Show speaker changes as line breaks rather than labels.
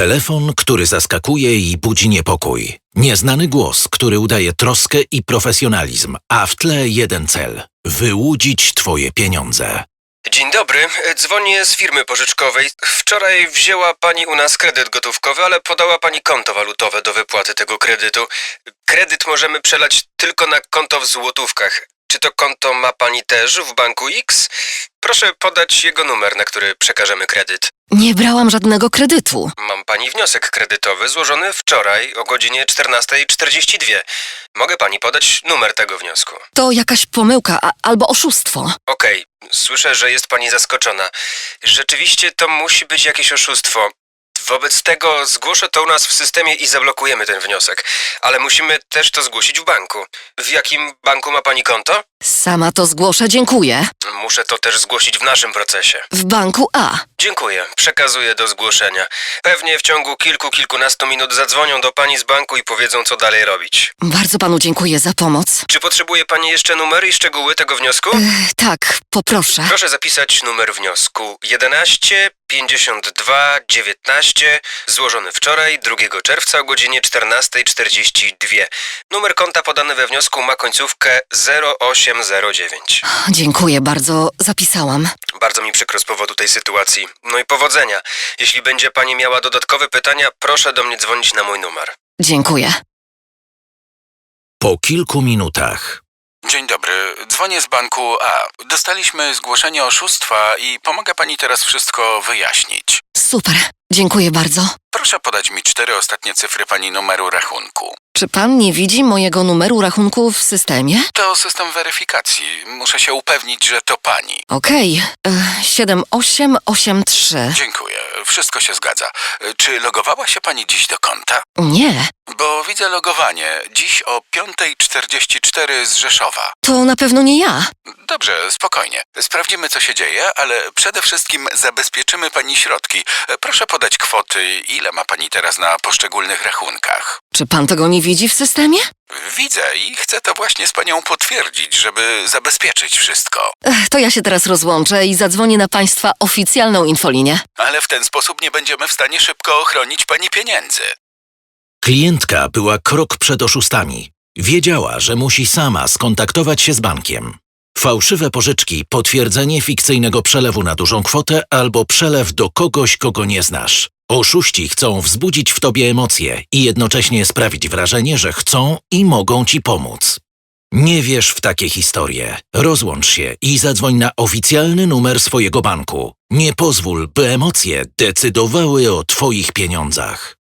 Telefon, który zaskakuje i budzi niepokój. Nieznany głos, który udaje troskę i profesjonalizm, a w tle jeden cel – wyłudzić twoje pieniądze.
Dzień dobry, dzwonię z firmy pożyczkowej. Wczoraj wzięła pani u nas kredyt gotówkowy, ale podała pani konto walutowe do wypłaty tego kredytu. Kredyt możemy przelać tylko na konto w złotówkach. Czy to konto ma pani też w banku X? Proszę podać jego numer, na który przekażemy kredyt.
Nie brałam żadnego kredytu.
Mam pani wniosek kredytowy złożony wczoraj o godzinie 14:42. Mogę pani podać numer tego wniosku.
To jakaś pomyłka albo oszustwo.
Okej, słyszę, że jest pani zaskoczona. Rzeczywiście to musi być jakieś oszustwo. Wobec tego zgłoszę to u nas w systemie i zablokujemy ten wniosek. Ale musimy też to zgłosić w banku. W jakim banku ma pani konto?
Sama to zgłoszę, dziękuję.
Muszę to też zgłosić w naszym procesie.
W banku A.
Dziękuję, przekazuję do zgłoszenia. Pewnie w ciągu kilkunastu minut zadzwonią do pani z banku i powiedzą, co dalej robić.
Bardzo panu dziękuję za pomoc.
Czy potrzebuje pani jeszcze numery i szczegóły tego wniosku?
Tak, poproszę.
Proszę zapisać numer wniosku 11 52 19, złożony wczoraj, 2 czerwca o godzinie 14:42. Numer konta podany we wniosku ma końcówkę 0809.
Dziękuję bardzo, zapisałam.
Bardzo mi przykro z powodu tej sytuacji. No i powodzenia. Jeśli będzie pani miała dodatkowe pytania, proszę do mnie dzwonić na mój numer.
Dziękuję.
Po kilku minutach.
Dzień dobry, dzwonię z banku A. Dostaliśmy zgłoszenie oszustwa i pomaga pani teraz wszystko wyjaśnić.
Super, dziękuję bardzo.
Proszę podać mi 4 ostatnie cyfry pani numeru rachunku.
Czy pan nie widzi mojego numeru rachunku w systemie?
To system weryfikacji. Muszę się upewnić, że to pani.
Okej, 7883.
Dziękuję, wszystko się zgadza. Czy logowała się pani dziś do konta?
Nie,
Bo widzę logowanie. Dziś o 5:44 z Rzeszowa.
to na pewno nie ja.
Dobrze, spokojnie. Sprawdzimy, co się dzieje, ale przede wszystkim zabezpieczymy pani środki. Proszę podać kwoty, ile ma pani teraz na poszczególnych rachunkach.
Czy pan tego nie widzi w systemie?
Widzę i chcę to właśnie z panią potwierdzić, żeby zabezpieczyć wszystko.
To ja się teraz rozłączę i zadzwonię na państwa oficjalną infolinię.
Ale w ten sposób nie będziemy w stanie szybko ochronić pani pieniędzy.
Klientka była krok przed oszustami. Wiedziała, że musi sama skontaktować się z bankiem. Fałszywe pożyczki, potwierdzenie fikcyjnego przelewu na dużą kwotę albo przelew do kogoś, kogo nie znasz. Oszuści chcą wzbudzić w tobie emocje i jednocześnie sprawić wrażenie, że chcą i mogą ci pomóc. Nie wierz w takie historie. Rozłącz się i zadzwoń na oficjalny numer swojego banku. Nie pozwól, by emocje decydowały o twoich pieniądzach.